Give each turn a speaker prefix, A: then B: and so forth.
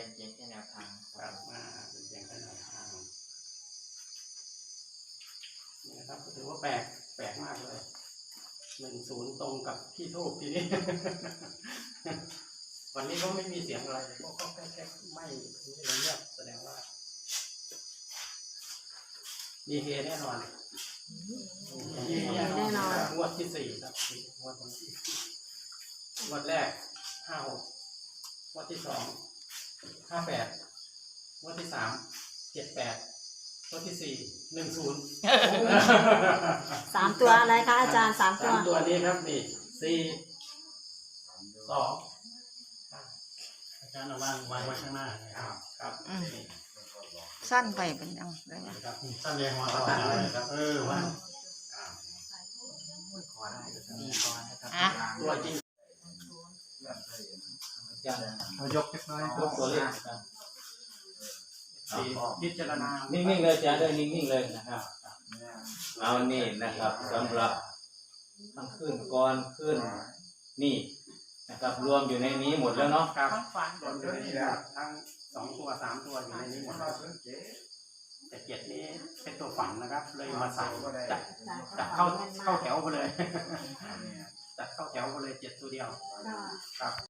A: เป็นเพียงแค่แนวทาง
B: ครับเป็นเพียงแค่แนวทางนี่นะครับถือว่าแปลกมากเลย10ตรงกับที่ทูบทีนี้ วันนี้ก็ไม่มีเสียงอะไรก็แค่ไม่เงียบแสดงว่ามีเฮแน่นอน
C: แน่นอน
B: งวดที่4ครับงวดที่งวดแรก56งวดที่2 58งวดที่3 78งวดที่4 10
C: 3 ตัวอะไรคะอาจารย์3 ตัว
B: 3 ตัวนี้ครับนี่4 2อาจารย์เอาวางไว้ข้างหน้าครับ
D: สั้นไปเป็นยังไง
B: ครับสั้นเลยหัวเราครับว่า
A: ขอได้ดีก่อนนะครับ
B: ตัวจริง
E: เรายกเล็กน้อย
A: ยกตัวเลข
B: พิจารณา
A: นิ่งๆเลยจ้าด้วยนิ่งๆเลยนะครับเอานี่นะครับสำหรับทั้งขึ้นก่อนขึ้นนี่นะครับรวมอยู่ในนี้หมดแล้วเนาะ
B: ครับรวมอยู่ในนี้ทั้ง2 ตัว3 ตัวอยู่ในนี้หมดแต่7นี้เป็นตัวฝันนะครับเลยมาใส่จัดเข้าแถวไปเลยจัดเข้าแถวไปเลย7 ตัวเดียวครับ